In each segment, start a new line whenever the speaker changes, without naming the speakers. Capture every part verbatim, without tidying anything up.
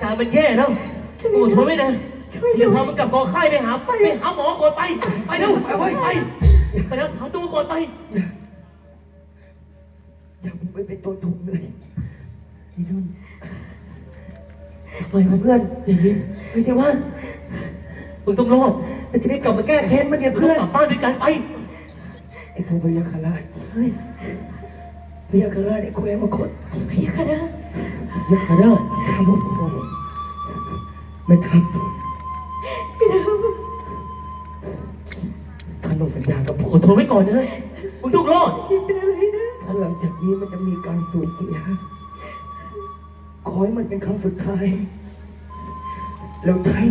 การมันแย่แล้วโอ้ทนไม่ได้เดี๋ยวพามันกลับกองค่ายไปหาไปหาหมอก่อนไปไปเร็วไปไปไปไปแล้วหาตัวก่อนไป
อย่าไปเป็นตัวถูกเลยไอ้นุ่นปล่อยมาเพื่อนอย่างนี้ไม่ใช่ว่า
มึงต้องรอด
เราจะได้กลับมาแก้แค้นมันเนี่ยเพื่อน
กลับบ้านด้วยกันไป
ไอ้พวกพยาคาราชเฮ้ยพยาคาราชไอ้แควมาขดพยาคาราชพยาคาราชทำพวกผมไม่ทำไม่ทำท่านลงสัญญากับผม
อดทนไว้ก่อนนะมึงต้องรอด
เป็นอะไรนะถ้าหลังจากนี้มันจะมีการสูญเสียขอให้มันเป็นครั้งสุดท้ายแล้วไทย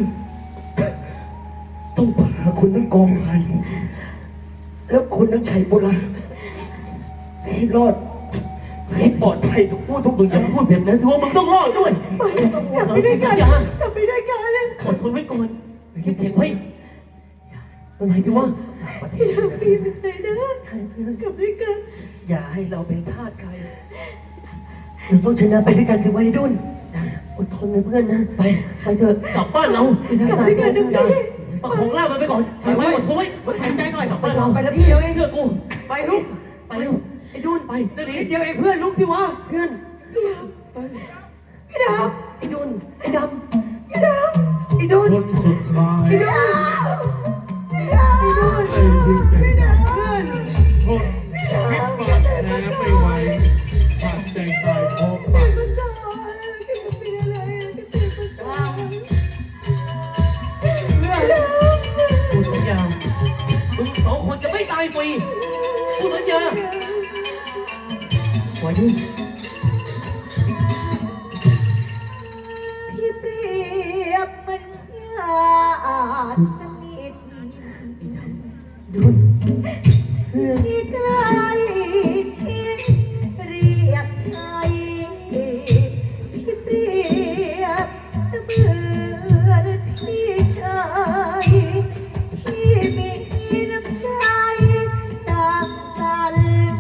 ต้องพาคุณทั้งกองพันแล้วคุณทั้งชัยโบราณให้รอดให้ปลอดภัยทุกผู้ทุก
มึงอย่าพูดแบบนั้นถือว่ามึงต้องรอดด้วย
อย่าไปด้วยกันอย่าไปด้วยกันเลย
อดทนไว้ก่อนเข้มแข็งไว้อะไรที่ว่า
พี่ทำพี่เป็นไงนะกลับด้วยกันอย่าให้เราเป็นทาสใครเราต้องชนะไปด้วยกันสิวัยรุ่นอดทนนะเพื่อนนะไปไปเถอะ
กลับบ้านเรา
กลับด้วยกันนะพี่
ประคองร่างมันไปก่อนไปไว้อดทนไว้มาแข็งใจหน่อยกลับบ้านเรา
ไปแล้วพี่เดียวเอง
เชื่อกู
ไปลุกไปเร็วไอ้ดุนไปนิดเดียวเองเพื่อนลุกสิวะเพื่อนพี่ดำพี่ดำไอ้ดุนไอ้ดำพี่ดำไอ้ดุน
คนสุดท้าย
ไอ้ดุนไอ้ดำไอ้ดุนไอ้ดุนไอ้ดำเพื่อน
ทนพิษบาดแผลไม่ไหวขาดใจตายพร้อมกัน
กูสัญญามึงสองคนจะไม่ตายฟรีกูสัญญาไว้ด้วย
พี่เปรียบเป็นญาติสนิทดุนที่ใกล้ชิดเรียกชายพี่เปรียบเสมือนพี่ชายที่มีน้ำใจสร้างสรรค์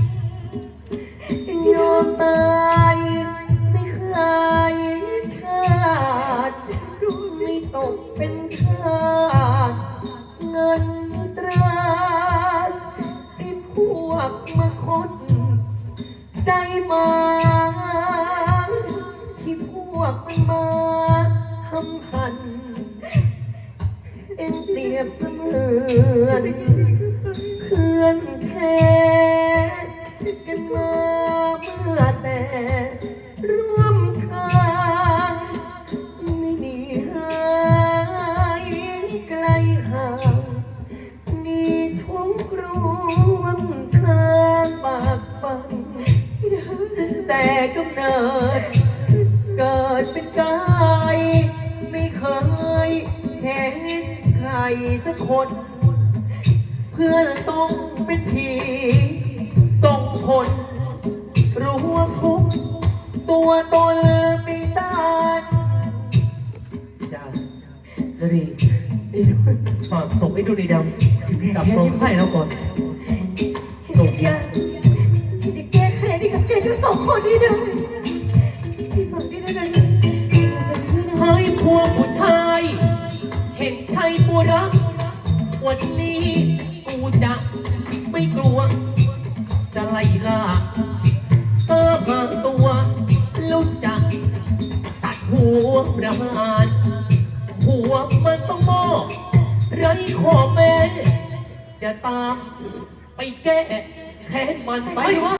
ยอมตายไม่เคยชาติไม่ตกเป็นทาสเงินตราไอ้พวกมาคดใจมาที่พวกมันมาทำหันเอ็นเปรียบเสมือนเพื่อนแท้กันมาเมื่อแต่ร่วมทางไม่มีหายไกลห่างมีทุกข์ร่วมทางปากปังแต่กำเนิดเกิดเป็นกายไม่เคยเห็นใครสักคนเพื่อนต้องเป็นผีส่งผลรู้ว่าทุกตัวตนไม่ต้าน
จ้าจะดีฝากส่งไอ้ดูดีดำกับกองค่ายเราก่อน
ส่งยาที่จะแก้แค้นให้กับแกทั้งสองคนนี้ได้พี่ฟังพี่นะนะ
เฮ้ยพวกผู้ชายเห็นชายบัวรักวันนี้กูจะไม่กลัวจะไล่ล่าเธอพางตัวลุกจักตัดหัวประหารหัวมันต้องมอบไร้ข้อแม้จะตามไปแก้แค้นมันไปวะ